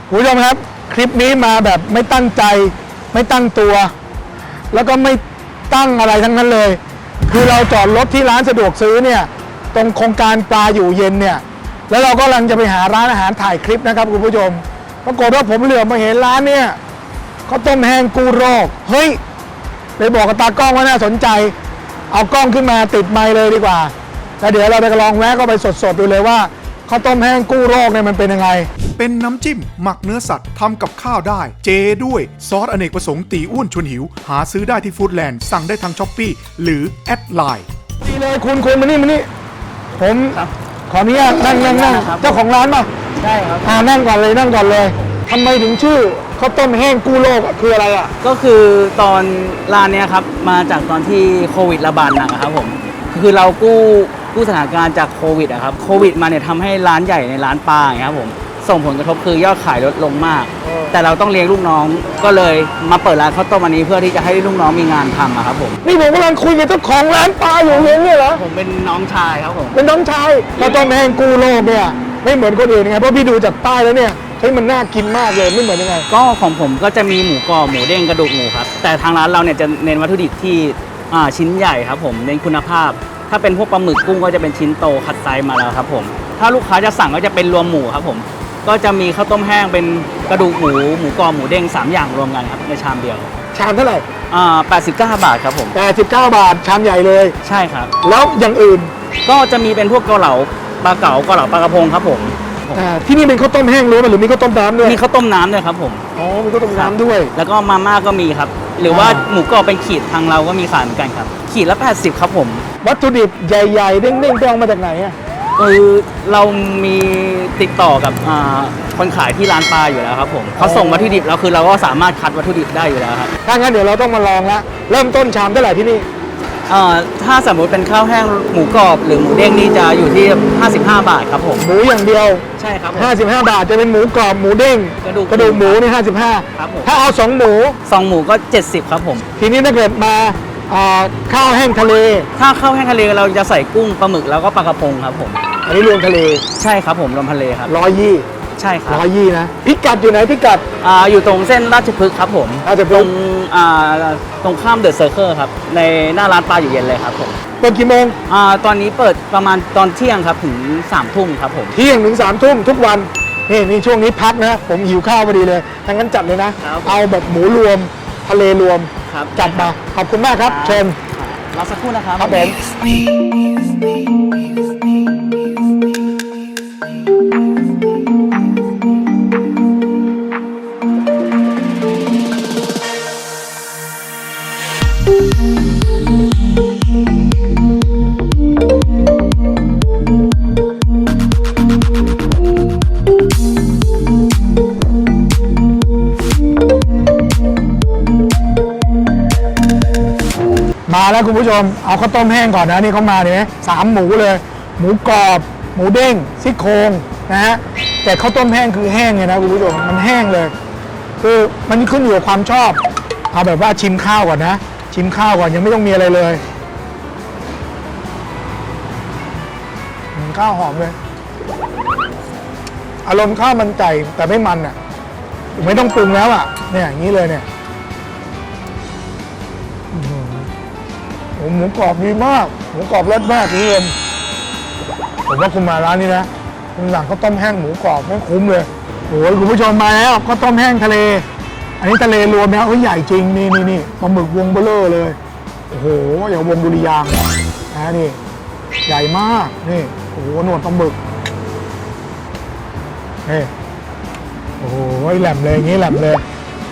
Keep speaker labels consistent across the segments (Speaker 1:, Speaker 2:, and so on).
Speaker 1: คุณผู้ชมครับคลิปนี้มาแบบไม่ตั้งใจไม่ตั้งตัว แล้วก็ไม่ตั้งอะไรทั้งนั้นเลยคือเราจอดรถที่ร้านสะดวกซื้อเนี่ยตรงโครงการปลาอยู่เย็นเนี่ยแล้วเราก็กำลังจะไปหาร้านอาหารถ่ายคลิปนะครับคุณผู้ชมปรากฏว่าผมเหลือบมาเห็นร้านเนี่ยเขาต้มแห้งกูโรคเฮ้ยเลยบอกกับตากล้องว่าน่าสนใจเอากล้องขึ้นมาติดไมค์เลยดีกว่าแล้วเดี๋ยวเราไปลองแวะก็ไปสดๆดูเลยว่าข้าวต้มแห้งกู้โรคเนี่ยมันเป็นยังไง
Speaker 2: เป็นน้ำจิ้มหมักเนื้อสัตว์ทำกับข้าวได้เจด้วยซอสอเนกประสงค์ตีอ้วนชวนหิวหาซื้อได้ที่ฟู้ดแลนด์สั่งได้ทางช้อปปี้หรือแอดไลน์
Speaker 1: ดีเลยคุณมานี่ผมขออนุญาตนั่งเจ้าของร้านป่ะ
Speaker 3: ได้ครับ
Speaker 1: นั่งก่อนเลยทำไมถึงชื่อข้าวต้มแห้งกู้โรคคืออะไรอ่ะ
Speaker 3: ก็คือตอนร้านเนี้ยครับมาจากตอนที่โควิดระบาดหนักครับผมคือเรากู้สถานการณ์จากโควิดอะครับโควิดมาเนี่ยทำให้ร้านใหญ่ในร้านปลาอย่างเงี้ยครับผมส่งผลกระทบคือยอดขายลดลงมากแต่เราต้องเลี้ยงลูกน้องก็เลยมาเปิดร้านข้าวต้มอันนี้เพื่อที่จะให้ลูกน้องมีงานทำอะครับผม
Speaker 1: นี่ผมกำลังคุยกับเจ้าของร้านปลาอยู่เย็นเนี่ยเหรอ
Speaker 3: ผมเป็นน้องชายครับผม
Speaker 1: เป็นน้องชายข้าวต้มแห้งกู้โรคเนี่ยไม่เหมือนคนอื่นไงเพราะพี่ดูจากป้ายแล้วเนี่ยเฮ้ยมันน่ากินมากเลยไม่เหมือนยังไง
Speaker 3: ก็ของผมก็จะมีหมูกรอบหมูเด้งกระดูกหมูครับแต่ทางร้านเราเนี่ยจะเน้นวัตถุดิบที่ชิ้นใหญ่ครับผมเน้นคุณภาพถ้าเป็นพวกปลาหมึกกุ้งก็จะเป็นชิ้นโตคัดไซส์มาแล้วครับผมถ้าลูกค้าจะสั่งก็จะเป็นรวมหมูครับผมก็จะมีข้าวต้มแห้งเป็นกระดูกหมูกรอบหมูเด้ง3อย่างรวมกันครับในชามเดียว
Speaker 1: ชามเท่าไหร่
Speaker 3: 89 บาทครับผม
Speaker 1: 89 บาทชามใหญ่เลย
Speaker 3: ใช่ครับ
Speaker 1: แล้วอย่างอื่น
Speaker 3: ก็จะมีเป็นพวกเกาเหลาปลาเก๋าเกาเหลาปลากระพงครับผม
Speaker 1: ที่นี่เป็นข้าวต้มแห้งล้วนหรือมีข้าวต้มน้ำด้วย
Speaker 3: มีข้าวต้มน้ำด้วยครับผม
Speaker 1: มีข้าวต้มน้ำด้วย
Speaker 3: แล้วก็มาม่าก็มีครับหรือว่าหมูกรอบเป็นขีดทางเราก็มีขายเหมือนกันครับขีดละ80ครับผม
Speaker 1: วัตถุดิบใหญ่ๆเด้งๆไปเอามาจากไหนอ่ะ
Speaker 3: เรามีติดต่อกับคนขายที่ร้านปลาอยู่แล้วครับผมเขาส่งวัตถุดิบแล้วคือเราก็สามารถคัดวัตถุดิบได้อยู่แล้วครับ
Speaker 1: ถ้างั้นเดี๋ยวเราต้องมาลองละเริ่มต้นชามเท่าไหร่ที่นี่
Speaker 3: ถ้าสมมติเป็นข้าวแห้งหมูกรอบหรือหมูเด้งนี่จะอยู่ที่55 บาทครับผม
Speaker 1: หมูอย่างเดียว
Speaker 3: ใช่ครับ
Speaker 1: 55 บาทจะเป็นหมูกรอบหมูเด้งกระดูกหมูนี่55
Speaker 3: ครับผม
Speaker 1: ถ้าเอา2 ห
Speaker 3: มูก็70ครับผม
Speaker 1: ทีนี้ถ้าเกิดมาข้าวแห้งทะเล
Speaker 3: ถ้าข้าวแห้งทะเลเราจะใส่กุ้งปลาหมึกแล้วก็ปลากระพงครับผม
Speaker 1: อันนี้รวมทะเล
Speaker 3: ใช่ครับผมรวมทะเลครับ
Speaker 1: 120
Speaker 3: ใช่ครับ
Speaker 1: 120นะพิกัดอยู่ไหนพิกัด
Speaker 3: อยู่ตรงเส้นราชพฤกษ์ครับผมตรงข้ามเดอะเซอร์เคิลครับในหน้าร้านปลาอยู่เย็นเลยครับผม
Speaker 1: เปิดกี่โมง
Speaker 3: ตอนนี้เปิดประมาณตอนเที่ยงครับถึง3 ทุ่มครับผม
Speaker 1: เที่ยงถึง3 ทุ่มทุกวันนี่ช่วงนี้พักนะผมหิวข้าวพอดีเลยทั้งนั้นจัดเลยนะเอาแบบหมูรวมทะเลรวมจัดมาขอบคุณมากครับเชิญ
Speaker 3: รอสักครู่นะครับ
Speaker 1: ครับมาแล้วคุณผู้ชมเอาข้าวต้มแห้งก่อนนะนี่เขามาเนี่ย3 หมูเลยหมูกรอบหมูเด้งซี่โครงนะฮะแต่ข้าวต้มแห้งคือแห้งเลยนะคุณผู้ชมมันแห้งเลยคือมันขึ้นอยู่กับความชอบเอาแบบว่าชิมข้าวก่อนนะชิมข้าวก่อนยังไม่ต้องมีอะไรเลยข้าวหอมเลยอารมณ์ข้าวมันไก่แต่ไม่มันอ่ะไม่ต้องปรุงแล้วอ่ะเนี่ยอย่างนี้เลยเนี่ยหมูกรอบดีมากหมูกรอบรสมากนี่เองผมว่าคุณมาร้านนี้นะคุณสั่งข้าวต้มแห้งหมูกรอบไม่คุ้มเลยโอ้ยคุณผู้ชมมาแล้วข้าวต้มแห้งทะเลอันนี้ทะเลรวมนะใหญ่จริงนี่ปลาหมึกวงเบลอเลยโอ้โหอย่างวงดุริยางนะนี่ใหญ่มากนี่โอ้โหหนวดปลาหมึกนี่โอ้โหแหลมเลยอย่างนี้แหลมเลย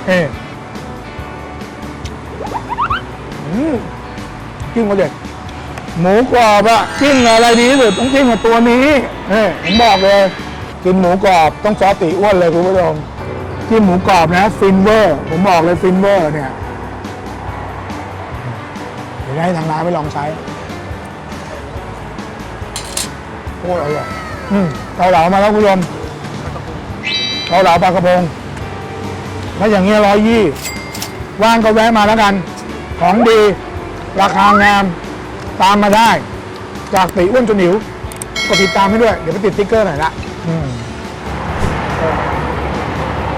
Speaker 1: จิ้มมาเด็ดหมูกรอบอะจิ้มอะไรดีที่สุดต้องจิ้มกับตัวนี้ผมบอกเลยกินหมูกรอบต้องซอสตีอ้วนเลยคุณผู้ชมจิ้มหมูกรอบนะฟินเวอร์ผมบอกเลยฟินเวอร์เนี่ยเดี๋ยวให้ทางร้านไปลองใช้โคตรอร่อยเกาเหลามาแล้วคุณผู้ชมเกาเหลาปลากระพงถ้าอย่างเงี้ย120ว่างก็แวะมาแล้วกันของดีราคางามตามมาได้จากตีอ้วนจนหิวกดติดตามให้ด้วยเดี๋ยวไปติดสติ๊กเกอร์หน่อยละ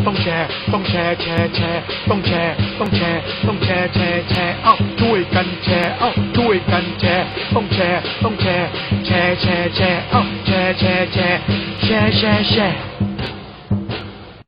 Speaker 2: ต้องแชร์ต้องแชร์แชร์แชร์ต้องแชร์ต้องแชร์ต้องแชร์แชร์แชร์เอ้าช่วยกันแชร์เอ้าช่วยกันแชร์ต้องแชร์ต้องแชร์แชร์แชร์แชร์เอ้าแชร์แชร์แชร์แชร์แชร์แชร์